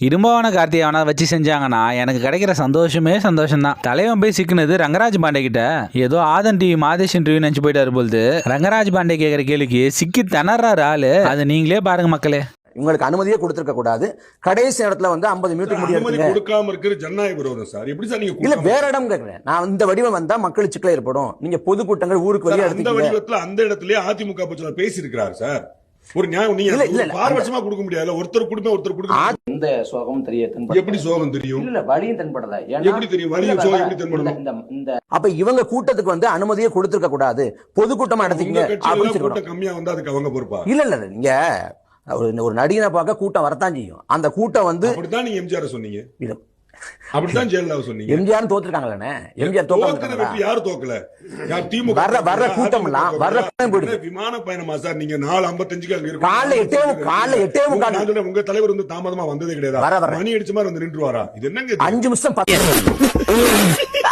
இரும்பவான கார்த்தியாவனா வச்சு செஞ்சாங்கன்னா எனக்கு கிடைக்கிற சந்தோஷமே சந்தோஷம் தான். தலைவன் போய் சிக்கினது ரங்கராஜ் பாண்டே கிட்ட. ஏதோ ஆதன் டிவி மாதேஷன் டிவி நினைச்சு போயிட்டாரு போது. ரங்கராஜ் பாண்டே கேட்கிற கேள்விக்கு சிக்கி திணறாரு ஆளு. அதை நீங்களே பாருங்க மக்களே. உங்களுக்கு அனுமதியே கொடுத்திருக்க கூடாது. கடைசி இடத்துல வந்து 50 மீட்டர் முடியாது கொடுக்காம இருக்கிற ஜனநாயக விரோதம் சார். எப்படி சார் நீங்க இல்ல வேற இடம் கேக்குறேன். நான் இந்த வடிவம் வந்தா மக்கள் சிக்கல் ஏற்படும். நீங்க பொதுக்கூட்டங்கள் ஊருக்கு வெளியே அந்த வடிவத்துல அந்த இடத்துலயே அதிமுக பட்சத்துல பேசி இருக்கிறார் சார். ஒரு நியாயம் நீங்க பாரபட்சமா கொடுக்க முடியாது. ஒருத்தர் கொடுப்பேன் ஒருத்தர் கொடுக்க. இந்த சோகம் தெரியும். எப்படி சோகம் தெரியும்? இல்ல வலியும் தென்படல. எப்படி தெரியும்? வலியும் சோகம் எப்படி தென்படும்? அப்ப இவங்க கூட்டத்துக்கு வந்து அனுமதியே கொடுத்திருக்க கூடாது. பொதுக்கூட்டமா நடத்திக்கங்க. கூட்டம் கம்மியா வந்தா அதுக்கு அவங்க பொறுப்பா? இல்ல இல்ல நீங்க ஒரு நடிகனை பார்க்க கூட்டம் வரத்தான் செய்யும். அந்த கூட்டம் வந்து அப்படித்தான் நீங்க எம்ஜிஆர் சொன்னீங்க. அப்படித்தான் ஜெயலலிதா சொன்னீங்க. எம்ஜிஆர் தோத்துருக்காங்கல்ல. எம்ஜிஆர் தோக்கல. யாரு தோக்கல? திமுக வர்ற கூட்டம் எல்லாம் வர்ற விமான பயணமா சார்? நீங்க 4:55 அங்க இருக்கு. காலைல 8:45 உங்க தலைவர் வந்து தாமதமா வந்ததே கிடையாது. மணி அடிச்ச மாதிரி வந்து நின்றுவாரா? இது என்னங்க 5 நிமிஷம்